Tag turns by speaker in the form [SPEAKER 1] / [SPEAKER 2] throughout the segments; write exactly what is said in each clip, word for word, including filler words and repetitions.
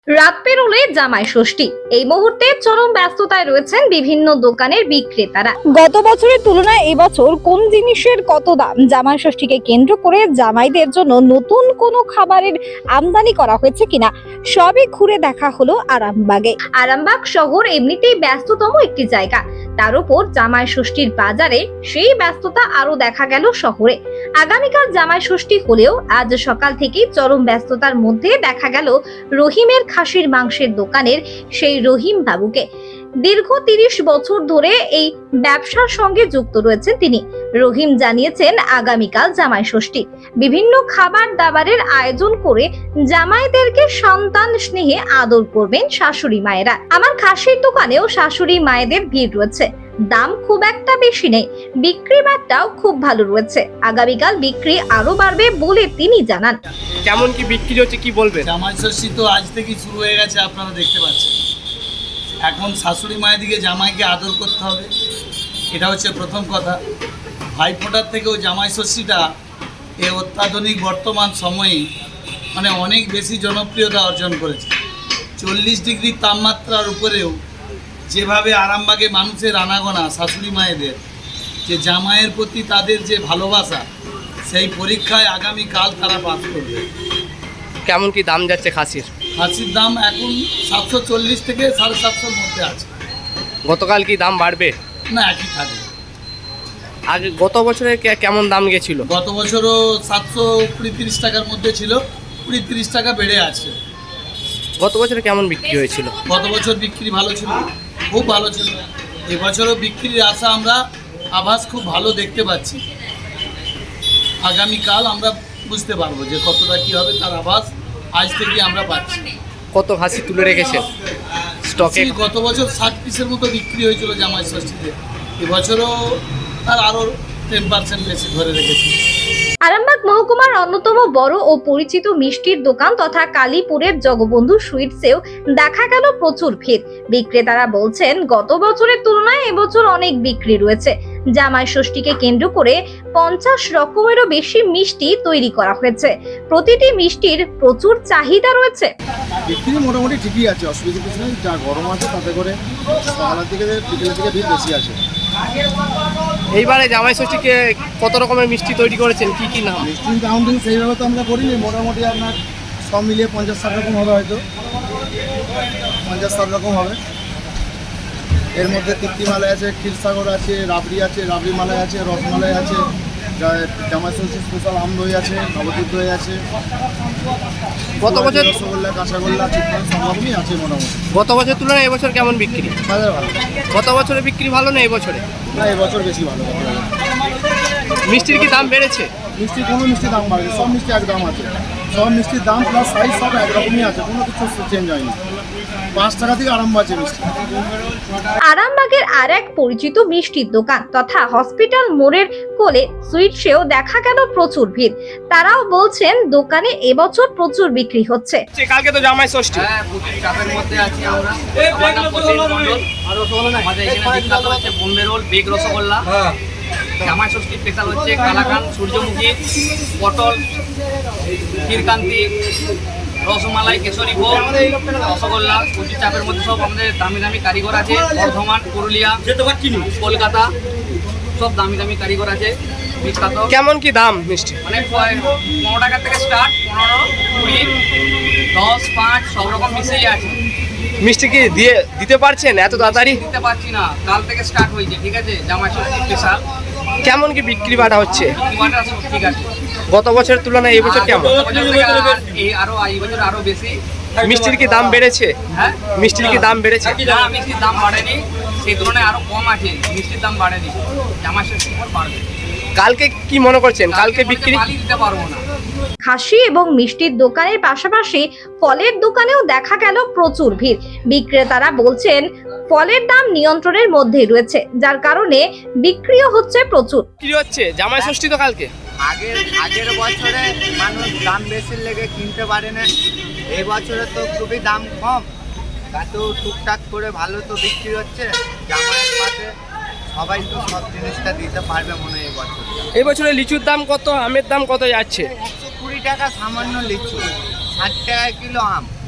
[SPEAKER 1] রাত পেরোলে জামাই ষষ্ঠী, এই মুহূর্তে চরম ব্যস্ততায় রয়েছেন বিভিন্ন দোকানের বিক্রেতারা। গত বছরের তুলনায় এবছর কোন জিনিসের কত দাম, জামাই ষষ্ঠীকে কেন্দ্র করে জামাইদের জন্য নতুন কোনো খাবারের আমদানি করা হয়েছে কিনা, সবই ঘুরে দেখা হলো আরামবাগে। আরামবাগ শহর এমনিতেই ব্যস্ততম একটি জায়গা, তার উপর জামাই ষষ্ঠীর বাজারে সেই ব্যস্ততা আরো দেখা গেল শহরে। আগামীকাল জামাই ষষ্ঠী হলেও আজ সকাল থেকেই চরম ব্যস্ততার মধ্যে দেখা গেল রহিমের খাসির মাংসের দোকানের সেই রহিম বাবুকে। দীর্ঘ তিরিশ বছর ধরে এই ব্যবসার সঙ্গে যুক্ত রয়েছেন তিনি। রহিম জানিয়েছেন আগামীকাল জামাই ষষ্ঠী, বিভিন্ন খাবার দাবারের আয়োজন করে জামাইদেরকে সন্তান স্নেহে আদর করবেন শাশুড়ি মায়েরা। আমার খাসির দোকানেও শাশুড়ি মায়েদের ভিড় রয়েছে, দাম খুব একটা বেশি নেই, বিক্রি বাট্টাও খুব ভালো রয়েছে। আগামীকাল বিক্রি আরো বাড়বে বলে তিনি জানান।
[SPEAKER 2] কেমন কি বিক্রি হচ্ছে কি বলবেন?
[SPEAKER 3] জামাই ষষ্ঠী তো আজ থেকেই শুরু হয়ে গেছে, আপনারা দেখতে পাচ্ছেন। এখন শাশুড়ি মায়ের দিকে জামাইকে আদর করতে হবে, এটা হচ্ছে প্রথম কথা। ভাইফোঁটার থেকেও জামাই ষষ্ঠীটা এ অত্যাধুনিক বর্তমান সময়ে মানে অনেক বেশি জনপ্রিয়তা অর্জন করেছে। চল্লিশ ডিগ্রি তাপমাত্রার উপরেও যেভাবে আরামবাগে মানুষের আনাগোনা, শাশুড়ি মায়েদের যে জামাইয়ের প্রতি তাদের যে ভালোবাসা, সেই পরীক্ষায় আগামীকাল তারা পাস করবে।
[SPEAKER 2] কেমন কি দাম যাচ্ছে খাসির?
[SPEAKER 3] খাসির দাম এখন সাতশো চল্লিশ থেকে সাড়ে সাতশোর মধ্যে আছে।
[SPEAKER 2] গতকাল কি দাম বাড়বে?
[SPEAKER 3] না, একই থাকবে।
[SPEAKER 2] আগে গত বছরে কে- কেমন দাম গেছিল?
[SPEAKER 3] গত বছরও সাতশো কুড়ি তিরিশ টাকার মধ্যে ছিল, কুড়ি তিরিশ টাকা বেড়ে আছে।
[SPEAKER 2] গত বছরে কেমন বিক্রি হয়েছিল?
[SPEAKER 3] গত বছর বিক্রি ভালো ছিল, খুব ভালো ছিল। এবছরও বিক্রির আশা আমরা আভাস খুব ভালো দেখতে পাচ্ছি। আগামীকাল আমরা বুঝতে পারবো যে কতটা কী হবে, তার আভাস আজ থেকে আমরা পাচ্ছি।
[SPEAKER 2] কত খাসি তুলে রেখেছেন স্টকে?
[SPEAKER 3] গত বছর ষাট পিসের মতো বিক্রি হয়েছিল জামাই ষষ্ঠীতে, এবছরও তার আরও টেন পার্সেন্ট বেশি ধরে রেখেছি।
[SPEAKER 1] আরামবাগ মহকুমার অন্যতম বড় ও পরিচিত মিষ্টির দোকান তথা কালীপুরের জগবন্ধু সুইটসেও দেখা গেল প্রচুর ভিড়। বিক্রেতারা বলছেন গত বছরের তুলনায় এবছর অনেক বিক্রি রয়েছে। জামাই ষষ্ঠীকে কেন্দ্র করে পঞ্চাশ রকমেরও বেশি মিষ্টি তৈরি করা হয়েছে। প্রতিটি মিষ্টির প্রচুর চাহিদা রয়েছে।
[SPEAKER 4] বিক্রি মোটামুটি ঠিকই আছে, অসুবিধা কিছু নেই। যা গরম আছে তাতে করে সকালের দিকে বিকেলের দিকে ভিড় বেশি আছে।
[SPEAKER 2] এইবারে জামাই ষষ্ঠীকে কত রকমের মিষ্টি তৈরি করেছেন, কি কি নাম?
[SPEAKER 4] মিষ্টির কাউন্টিং সেইভাবে তো আমরা করিনি, মোটামুটি আপনার সব মিলিয়ে পঞ্চাশ ষাট রকম হবে, হয়তো পঞ্চাশ ষাট রকম হবে। এর মধ্যে তৃপ্তি মালাই আছে, ক্ষীরসাগর আছে, রাবড়ি আছে, রাবড়ি মালাই আছে, রসমালাই আছে, জা- জামাই ষষ্ঠী স্পেশাল আম দই আছে, নবদ্বীপ দই আছে,
[SPEAKER 2] গত বছর
[SPEAKER 4] রসগোল্লা, কাঁচাগোল্লা, চিকেন সব রকমই আছে মোটামুটি।
[SPEAKER 2] গত বছর তুলনায় এবছর কেমন বিক্রি?
[SPEAKER 4] বাজার ভালো
[SPEAKER 2] গত বছরে বিক্রি ভালো না এবছরে?
[SPEAKER 4] না, এবছর বেশি ভালো।
[SPEAKER 2] মিষ্টির কি দাম বেড়েছে?
[SPEAKER 4] মিষ্টি কোনো মিষ্টি দাম বাড়বে, সব মিষ্টি এক দাম আছে। সব মিষ্টির দাম প্লাস সাইজ সব একরকমই আছে, কোনো কিছু চেঞ্জ হয়নি। পাঁচ টাকা থেকে আরম্ভ আছে মিষ্টি।
[SPEAKER 1] আরামবাগের আর এক পরিচিত মিষ্টির দোকান তথা হসপিটাল মোড়ের কোলে সুইটসেও দেখা গেল প্রচুর ভিড়। তারাও বলছেন দোকানে এবছর প্রচুর বিক্রি হচ্ছে।
[SPEAKER 2] কালকে তো জামাই ষষ্ঠী।
[SPEAKER 5] হ্যাঁ, প্রচুর চাপের মধ্যে আছি আমরা। আমার নাম প্রসেন মণ্ডল। আমাদের এখানে বিখ্যাত হচ্ছে বোম্বে রোল, বেগ রসগোল্লা। জামাই ষষ্ঠী স্পেশাল হচ্ছে কালাকান, সূর্যমুখী, পটল, ক্ষীরকান্তি, রসমালাই, কেশরী ভোগ, রসগোল্লা। প্রচুর চাপের মধ্যে সব আমাদের দামি দামি কারিগর আছে। বর্ধমান, পুরুলিয়া, কলকাতা, সব দামি দামি কারিগর আছে বিখ্যাত।
[SPEAKER 2] কেমন কি দাম মিষ্টি?
[SPEAKER 5] মানে পনেরো টাকা থেকে স্টার্ট, পনেরো, কুড়ি, দশ, পাঁচ সব রকম মিশিয়ে আছে।
[SPEAKER 2] মিষ্টি কি দিয়ে দিতে পারছেন এত তাড়াতাড়ি?
[SPEAKER 5] দিতে পারছি না, কাল থেকে স্টার্ট হয়েছে, ঠিক আছে। জামাই ষষ্ঠী স্পেশাল
[SPEAKER 2] কেমন কি বিক্রি বাটা হচ্ছে?
[SPEAKER 5] কিমাটা সব ঠিক আছে।
[SPEAKER 2] গত বছরের তুলনায় এই বছর কেমন?
[SPEAKER 5] গত বছর থেকে আর- এই আরো এই বছর আরো বেশি।
[SPEAKER 2] মিষ্টির কি দাম বেড়েছে?
[SPEAKER 5] হ্যাঁ,
[SPEAKER 2] মিষ্টির কি দাম বেড়েছে?
[SPEAKER 5] না, মিষ্টির দাম বাড়েনি, সেই তুলনায় আরো কম আছে। মিষ্টির দাম বাড়েনি, জামাই ষষ্ঠীর পর বাড়বে।
[SPEAKER 2] কালকে কি মনে করছেন কালকে
[SPEAKER 5] বলতে
[SPEAKER 2] বিক্রি?
[SPEAKER 5] মালই দিতে পারবো না।
[SPEAKER 1] খাসি এবং মিষ্টির দোকানের পাশাপাশি ফলের দোকানেও দেখা গেল প্রচুর ভিড়। বিক্রেতারা বলছেন ফলের দাম নিয়ন্ত্রণের মধ্যে রয়েছে, যার কারণে বিক্রিও হচ্ছে প্রচুর।
[SPEAKER 2] কি হচ্ছে জামাই ষষ্ঠী তো কালকে?
[SPEAKER 6] আগের আগের বছরে মানুষ দাম বেশি লেগে কিনতে পারে না, এই বছরে তো খুবই দাম কম, এত টুকটাক করে ভালো তো বিক্রি হচ্ছে। জামাইয়ের পাশে সবাই তো সব জিনিসটা দিতে পারবে মনে হয় এই বছর।
[SPEAKER 2] এই বছরে লিচুর দাম কত, আমের দাম কত যাচ্ছে?
[SPEAKER 6] একশো কুড়ি টাকা সামান্য লিচু, ষাট টাকা কিলো আম।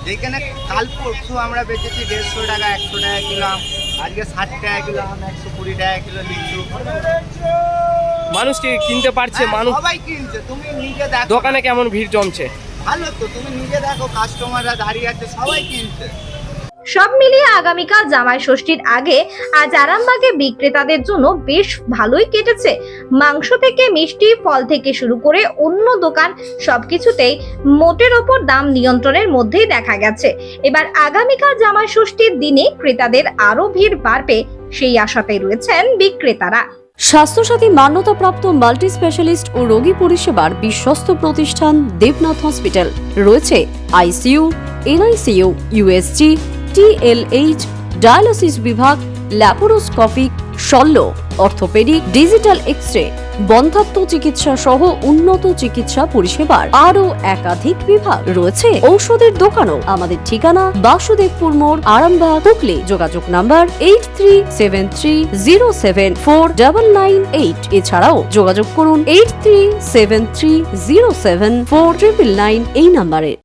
[SPEAKER 6] যেখানে কাল পরশু আমরা বেচেছি দেড়শো টাকা একশো টাকা কিলো আম, আজকে ষাট টাকা কিলো আম, একশো কুড়ি টাকা কিলো লিচু।
[SPEAKER 2] মানুষ কি কিনতে পারছে?
[SPEAKER 6] হ্যাঁ,
[SPEAKER 2] মানুষ
[SPEAKER 6] সবাই কিনছে, তুমি নিজে দেখো।
[SPEAKER 2] দোকানে কেমন ভিড় জমছে?
[SPEAKER 6] ভালো তো, তুমি নিজে দেখো, কাস্টমাররা দাঁড়িয়ে আছে, সবাই কিনছে।
[SPEAKER 1] সব মিলিয়ে আগামীকাল জামাই ষষ্ঠীর আগে আজ আরামবাগে বিক্রেতাদের জন্য বেশ ভালোই কেটেছে। মাংস থেকে মিষ্টি, ফল থেকে শুরু করে অন্য দোকান সবকিছুতেই মোটের ওপর দাম নিয়ন্ত্রণের মধ্যেই দেখা গেছে। এবার আগামীকাল জামাই ষষ্ঠীর দিনে ক্রেতাদের আরো ভিড় বাড়বে সেই আশাতেই রয়েছেন বিক্রেতারা।
[SPEAKER 7] স্বাস্থ্যসাথী মান্যতাপ্রাপ্ত মাল্টি স্পেশালিস্ট ও রোগী পরিষেবার বিশ্বস্ত প্রতিষ্ঠান দেবনাথ হসপিটাল। রয়েছে ICU, NICU, USG, TLH, dialysis বিভাগ, ল্যাপারোস্কোপিক, শল্য, অর্থোপেডিক, ডিজিটাল এক্স-রে, বন্ধ্যাত্ব চিকিৎসা সহ উন্নত চিকিৎসা পরিষেবার আরও একাধিক বিভাগ রয়েছে। ঔষধের দোকানও। আমাদের ঠিকানা বাসুদেবপুর মোড়, আরামবাগ, হুগলি। যোগাযোগ number eight three seven three zero seven four double nine eight. এছাড়াও যোগাযোগ করুন eight three seven three zero seven four triple nine এই নাম্বারে।